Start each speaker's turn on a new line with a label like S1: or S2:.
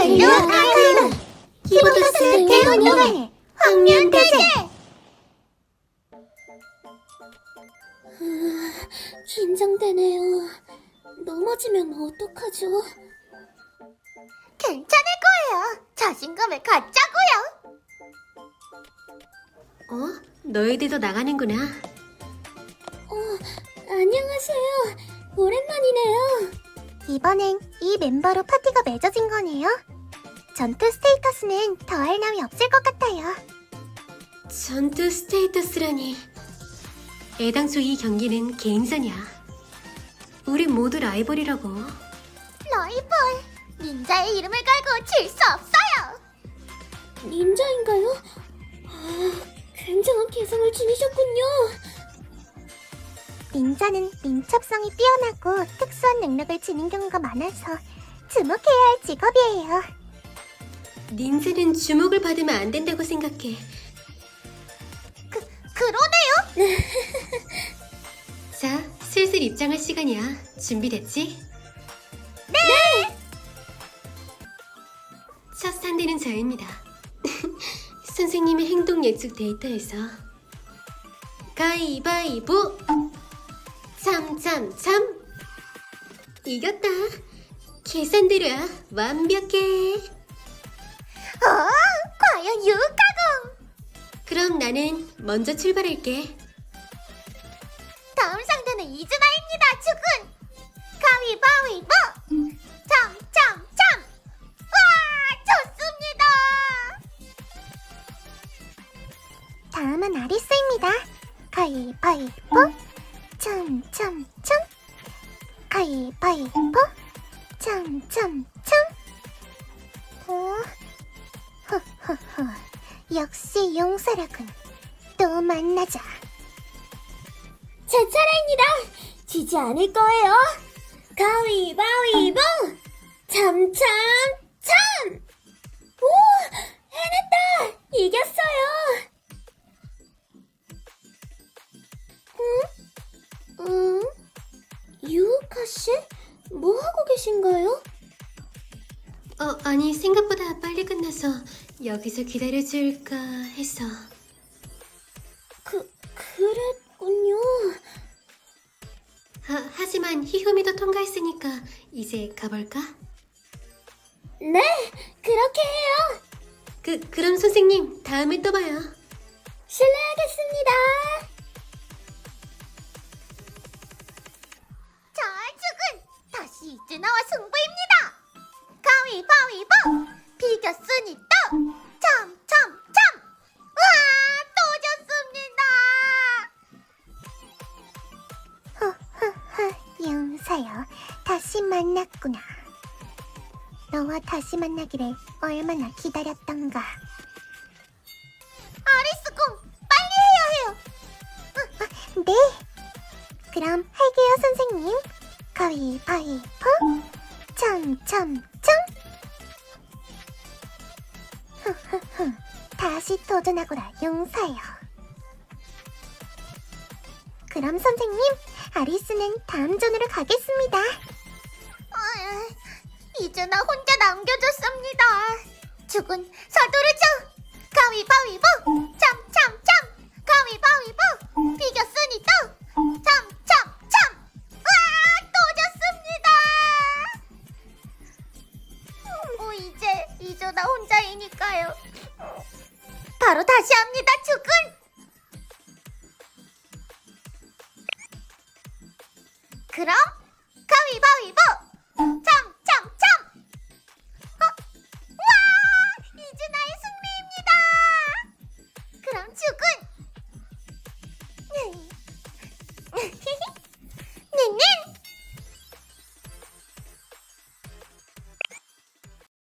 S1: 헬로 아이돌 키보드스 대운동회 황면대제.
S2: 긴장되네요. 넘어지면 어떡하죠?
S1: 괜찮을 거예요. 자신감을 갖자고요.
S3: 너희들도 나가는구나.
S2: 안녕하세요. 오랜만이네요.
S1: 이번엔 이 멤버로 파티가 맺어진 거네요. 전투 스테이터스는 더할 나위 없을 것 같아요.
S3: 전투 스테이터스라니. 애당초 이 경기는 개인전이야. 우리 모두 라이벌이라고.
S1: 라이벌, 닌자의 이름을 걸고 질 수 없어요.
S2: 닌자인가요? 굉장한 개성을 지니셨군요.
S1: 닌자는 민첩성이 뛰어나고 특수한 능력을 지닌 경우가 많아서 주목해야 할 직업이에요.
S3: 닌자는 주목을 받으면 안 된다고 생각해.
S1: 그러네요.
S3: 자, 슬슬 입장할 시간이야. 준비됐지?
S1: 네.
S3: 첫 상대는 저입니다. 선생님의 행동 예측 데이터에서 가위바위보! 참 이겼다. 계산대로야. 완벽해.
S1: 과연 유카공.
S3: 그럼 나는 먼저 출발할게.
S1: 다음 상대는 이즈나입니다. 주군. 가위바위보. 참. 와, 좋습니다. 다음은 아리스입니다. 가위바위보. 참. 가위바위보. 참. 허허허. 역시 용사라군. 또 만나자.
S2: 제 차례입니다. 지지 않을 거예요. 가위바위보. 참. 오, 해냈다. 이겼어요. 유우카 씨? 뭐 하고 계신가요?
S3: 아니 생각보다 빨리 끝나서 여기서 기다려줄까 해서.
S2: 그랬군요.
S3: 하지만 히후미도 통과했으니까 이제 가볼까?
S2: 네, 그렇게 해요.
S3: 그럼 선생님 다음에 또 봐요.
S2: 실례하겠습니다.
S1: 자, 주군. 다시 이즈나와 승부입니다. 가위바위보. 비겼으니 또. 참. 와, 또 졌습니다. 용사여, 다시 만났구나. 너와 다시 만나기를 얼마나 기다렸던가. 아리스공, 빨리 해야 해요. 네. 그럼 할게요, 선생님. 가위바위보. 참. 다시 도전하거라, 용사여. 그럼 선생님, 아리스는 다음 존으로 가겠습니다. 이제 나 혼자 남겨줬습니다. 죽은 서두르죠. 가위바위보. 참. 가위바위보. 비겼으니 또. 참. 와, 또 졌습니다. 이제 나 혼자이니까요. 바로 다시 합니다, 죽은. 그럼 가위바위보.